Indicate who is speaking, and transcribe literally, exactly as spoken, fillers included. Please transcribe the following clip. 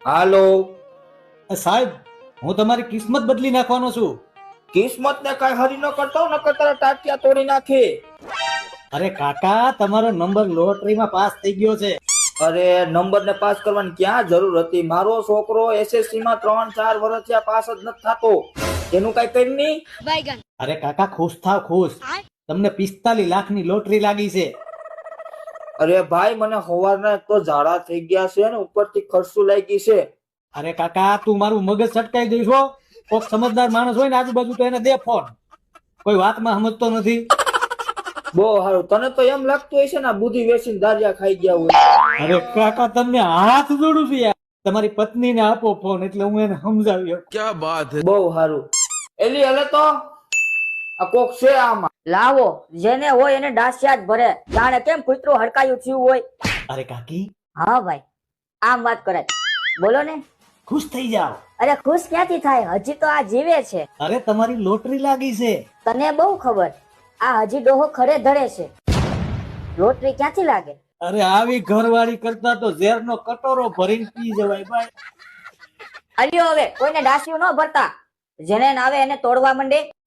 Speaker 1: હાલો.
Speaker 2: સાહેબ, હું તમારી કિસ્મત બદલી નાખવાનો છું.
Speaker 1: કિસ્મત ને કઈ હરી ન કરતો, નકર તારા ટાટિયા તોડી નાખે.
Speaker 2: અરે કાકા, તમારો નંબર લોટરીમાં પાસ થઈ ગયો છે.
Speaker 1: અરે નંબર ને પાસ કરવાની ક્યાં જરૂર હતી? મારો છોકરો એસએસસી માં ત્રણ ચાર વર્ષ થયા પાસ જ નથી થતો. એનું કઈ કરી નહીં.
Speaker 2: અરે કાકા, ખુશ થાવ ખુશ. તમને પિસ્તાલીસ લાખની લોટરી લાગી છે.
Speaker 1: અરે ભાઈ, મને સવારના એક તો ઝાડા થઈ ગયા છે ને ઉપરથી ખર્ચું લાગી છે.
Speaker 2: અરે કાકા, તું મારું મગજ સટકાઈ દઈશો. કોક સમજદાર માણસ હોય ને આજુબાજુ તો એને દે ફોન. કોઈ વાતમાં સમજતો નથી.
Speaker 1: બહુ સારું. તને તો એમ લાગતું હશે ને આ બુદ્ધિ વેચીને દારિયા ખાઈ ગયા હોય.
Speaker 2: અરે કાકા, તમને હાથ જોડું છું યાર. તમારી પત્નીને આપો ફોન એટલે હું એને સમજાવી શકું.
Speaker 3: क्या बात है।
Speaker 1: બહુ સારું. એલી હલે તો આ કોક છે આમાં.
Speaker 4: લાવો, જેને હોય એને ડાસિયા જ ભરે. જાણે કેમ કૂતરું હડકાયું થયું હોય.
Speaker 2: અરે કાકી,
Speaker 4: હા ભાઈ, આમ વાત કરાય. બોલો ને.
Speaker 2: ખુશ થઈ જાઓ.
Speaker 4: અરે ખુશ ક્યાંથી થાય? હજી તો આ જીવે છે.
Speaker 2: અરે તમારી લોટરી લાગી છે.
Speaker 4: તને બહુ ખબર. આ હજી ડોહો ખરે ધરે છે. લોટરી ક્યાંથી લાગે?
Speaker 2: અરે આવી ઘરવાળી કરતા તો ઝેરનો કટોરો ભરીને પી જવાય ભાઈ.
Speaker 4: અલ્યો હવે કોઈને ડાસિયું ન ભરતા. જેને ના આવે એને તોડવા માંડે.